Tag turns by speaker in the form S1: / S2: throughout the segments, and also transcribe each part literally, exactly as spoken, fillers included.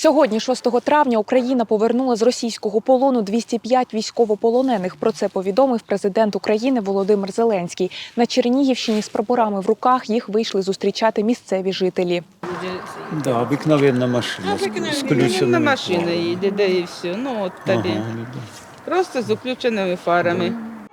S1: Сьогодні, шостого травня, Україна повернула з російського полону двісті п'ять військовополонених. Про це повідомив президент України Володимир Зеленський. На Чернігівщині з прапорами в руках їх вийшли зустрічати місцеві жителі.
S2: Да, обикновенна машина. З включеними.
S3: Машина їде, де і все. Ну от тобі.
S2: Ага, да.
S3: Просто з включеними фарами.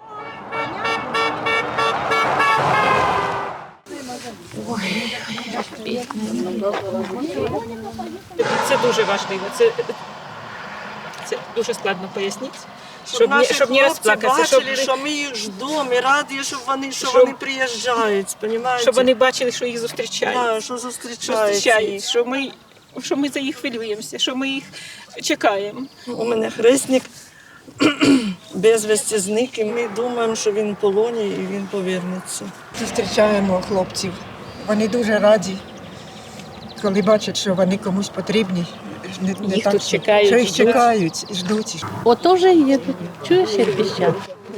S4: Це дуже важливо. Це, це дуже складно пояснити.
S5: Щоб,
S4: Щоб,
S5: наші
S4: не, щоб не
S5: хлопці
S4: розплакатися,
S5: бачили,
S4: щоб,
S5: що ми їх ждемо, і раді, що вони, що
S4: Щоб-
S5: вони приїжджають, понімаєте?
S4: щоб вони бачили, що їх зустрічають.
S5: Да, що
S4: Що
S5: зустрічають.
S4: зустрічають, що ми, що ми за їх хвилюємося, що ми їх чекаємо.
S5: У мене хресник безвісті зник, і ми думаємо, що він в полоні і він повернеться.
S6: Зустрічаємо хлопців. Вони дуже раді, коли бачать, що вони комусь потрібні. Не, не
S4: Їх
S6: так,
S4: тут
S6: що-
S4: чекають,
S6: Що їх
S4: ждуть.
S6: чекають, і ждуть.
S7: Ото вже їдуть. Чуєш, як піщать?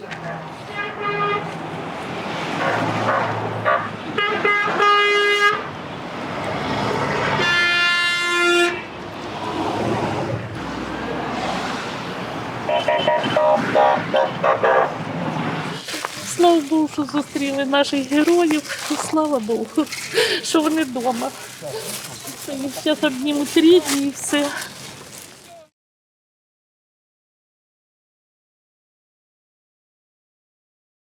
S7: Слава Богу, що зустріли наших героїв. Слава Богу, що вони вдома. Їх зараз обнімуть рідні і все.